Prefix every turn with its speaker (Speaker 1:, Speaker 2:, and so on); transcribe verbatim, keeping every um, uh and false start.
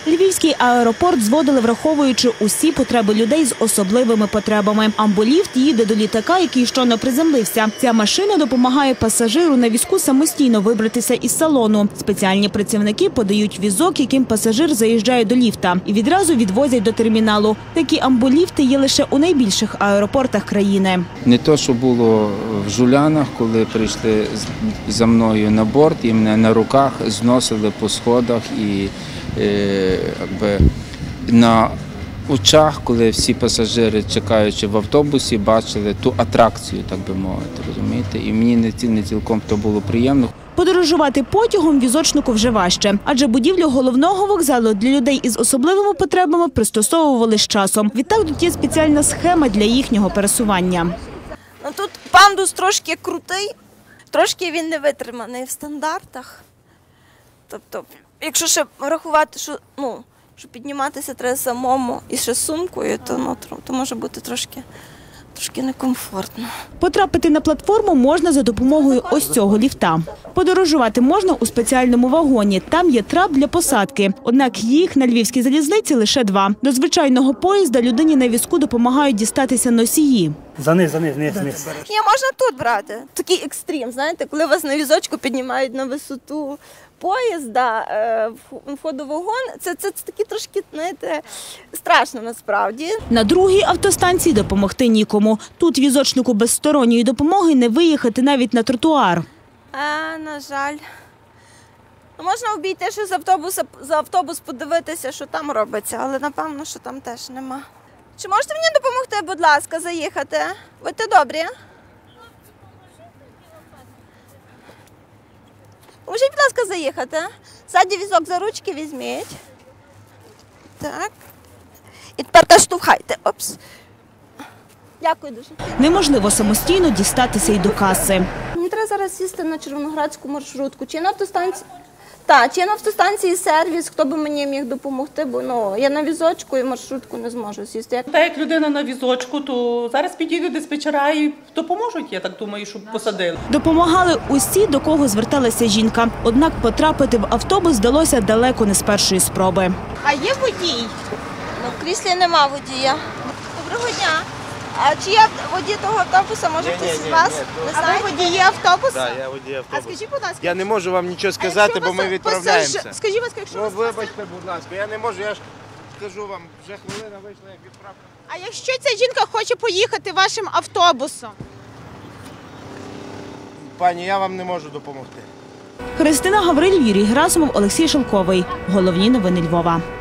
Speaker 1: Львівський аеропорт зводили, враховуючи усі потреби людей з особливими потребами. Амболіфт їде до літака, який щойно приземлився. Ця машина допомагає пасажиру на візку самостійно вибратися із салону. Спеціальні працівники подають візок, яким пасажир заїжджає до ліфта, і відразу відвозять до терміналу. Такі амболіфти є лише у найбільших аеропортах країни. Не
Speaker 2: те, що було в Жулянах, коли прийшли за мною на борт і мене на руках зносили по сходах і якби на очах, коли всі пасажири, чекаючи в автобусі, бачили ту атракцію, так би мовити, розумієте? І мені не цілком то було приємно.
Speaker 1: Подорожувати потягом візочнику вже важче, адже будівлю головного вокзалу для людей із особливими потребами пристосовували з часом. Відтак тут є спеціальна схема для їхнього пересування.
Speaker 3: Ну, тут пандус трошки крутий, трошки він не витриманий в стандартах. Тобто, якщо ще рахувати, що, ну, що підніматися треба самому і ще сумкою, то, ну, то може бути трошки, трошки некомфортно.
Speaker 1: Потрапити на платформу можна за допомогою ось цього ліфта. Подорожувати можна у спеціальному вагоні. Там є трап для посадки. Однак їх на Львівській залізниці лише два. До звичайного поїзда людині на візку допомагають дістатися носії.
Speaker 4: Заниз, заниз, заниз, заниз.
Speaker 3: Ні, можна тут брати. Такий екстрім, знаєте, коли вас на візочку піднімають на висоту поїзда, входу в вагон, це, це, це такі трошки, знаєте, страшно насправді.
Speaker 1: На другій автостанції допомогти нікому. Тут візочнику без сторонньої допомоги не виїхати навіть на тротуар.
Speaker 3: А, на жаль. Ну, можна обійти ще з автобуса, за автобус подивитися, що там робиться, але напевно, що там теж нема. Чи можете мені допомогти, будь ласка, заїхати? Будьте добрі. Поможіть, будь ласка, заїхати. Ззаді візок за ручки візьміть. Так. І тепер штовхайте. Опс. Дякую дуже.
Speaker 1: Неможливо самостійно дістатися й до каси.
Speaker 3: Мені треба зараз сісти на Червоноградську маршрутку. Чи на автостанції? Так, чи на автостанції сервіс, хто би мені міг допомогти, бо ну, я на візочку і маршрутку не зможу сісти.
Speaker 5: Та як людина на візочку, то зараз підійдуть диспетчера і допоможуть, я так думаю, щоб посадили.
Speaker 1: Допомагали усі, до кого зверталася жінка. Однак потрапити в автобус вдалося далеко не з першої спроби.
Speaker 3: А є водій? Ну, в кріслі нема водія. Доброго дня. А чи є водій того автобуса, може хтось з вас?
Speaker 6: А ви водії автобуса?
Speaker 7: Так, я водій автобуса.
Speaker 6: А скажіть, будь ласка.
Speaker 7: Я не можу вам нічого сказати, бо ми відправляємося.
Speaker 6: Скажіть, будь ласка, якщо
Speaker 7: Ну,
Speaker 6: вас...
Speaker 7: вибачте, будь ласка, я не можу, я ж скажу вам, вже хвилина вийшла, як відправка.
Speaker 6: А якщо ця жінка хоче поїхати вашим автобусом?
Speaker 7: Пані, я вам не можу допомогти.
Speaker 1: Христина Гавриль, Юрій Герасимов, Олексій Шелковий. Головні новини Львова.